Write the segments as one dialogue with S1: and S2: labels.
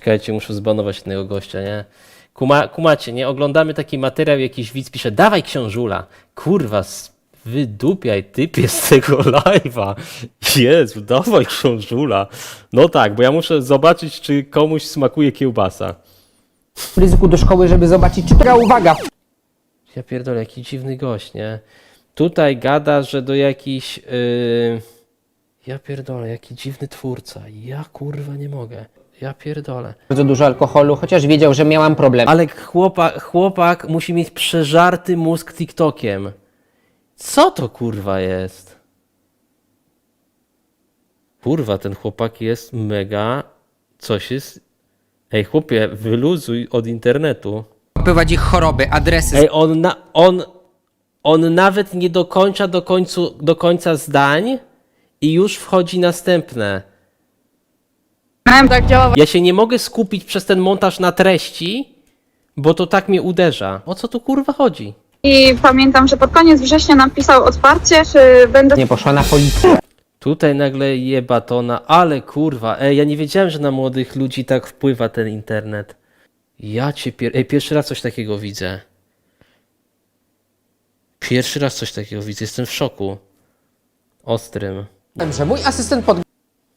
S1: Czekajcie, muszę zbanować jednego gościa, nie? Kumacie, nie? Oglądamy taki materiał, jakiś widz pisze, dawaj książula. Kurwa, wydupiaj typie z tego live'a. Jezu, dawaj książula. No tak, bo ja muszę zobaczyć, czy komuś smakuje kiełbasa.
S2: Ryzyku do szkoły, żeby zobaczyć, czy to uwaga.
S1: Ja pierdolę, jaki dziwny gość, nie? Tutaj gada, że do jakiś... Ja pierdolę, jaki dziwny twórca. Ja kurwa nie mogę. Ja pierdolę.
S2: Bardzo dużo alkoholu, chociaż wiedział, że miałam problem.
S1: Ale chłopak musi mieć przeżarty mózg TikTokiem. Co to kurwa jest? Kurwa, ten chłopak jest mega... Coś jest... Ej chłopie, wyluzuj od internetu.
S2: Opywać ich choroby, adresy.
S1: Ej, on nawet nie dokończa do końca zdań i już wchodzi następne.
S3: Tak działa.
S1: Ja się nie mogę skupić przez ten montaż na treści, bo to tak mnie uderza. O co tu kurwa chodzi?
S3: I pamiętam, że pod koniec września nam pisał otwarcie, czy będę
S2: Nie poszła na policję.
S1: Tutaj nagle je batona, ale kurwa, ja nie wiedziałem, że na młodych ludzi tak wpływa ten internet. Ja cię pierwszy raz coś takiego widzę. Pierwszy raz coś takiego widzę, jestem w szoku. Ostrym.
S2: Że mój asystent pod...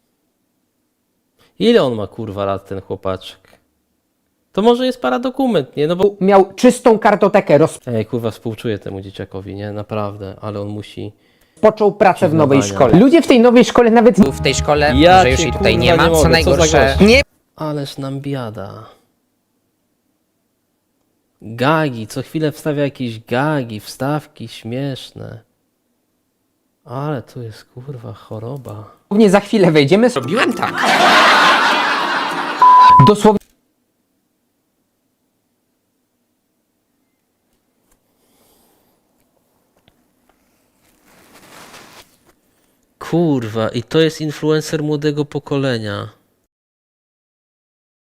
S1: Ile on ma kurwa lat, ten chłopaczek? To może jest paradokument, nie? No bo...
S2: miał czystą kartotekę,
S1: Ej, kurwa, współczuję temu dzieciakowi, nie? Naprawdę, ale on musi...
S2: rozpoczął pracę w nowej
S1: Przyznawania.
S2: szkole. Ludzie w tej nowej szkole nawet... Był w tej szkole,
S1: Ja
S2: że już
S1: cię,
S2: jej tutaj
S1: kurwa,
S2: nie ma,
S1: nie mogę,
S2: co
S1: co za
S2: najgorsze...
S1: gość.
S2: Nie
S1: Ależ nam biada. Gagi, co chwilę wstawia jakieś gagi, wstawki śmieszne. Ale tu jest kurwa choroba.
S2: Dosłownie za chwilę wejdziemy. Robiłem tak. Dosłownie.
S1: Kurwa, i to jest influencer młodego pokolenia.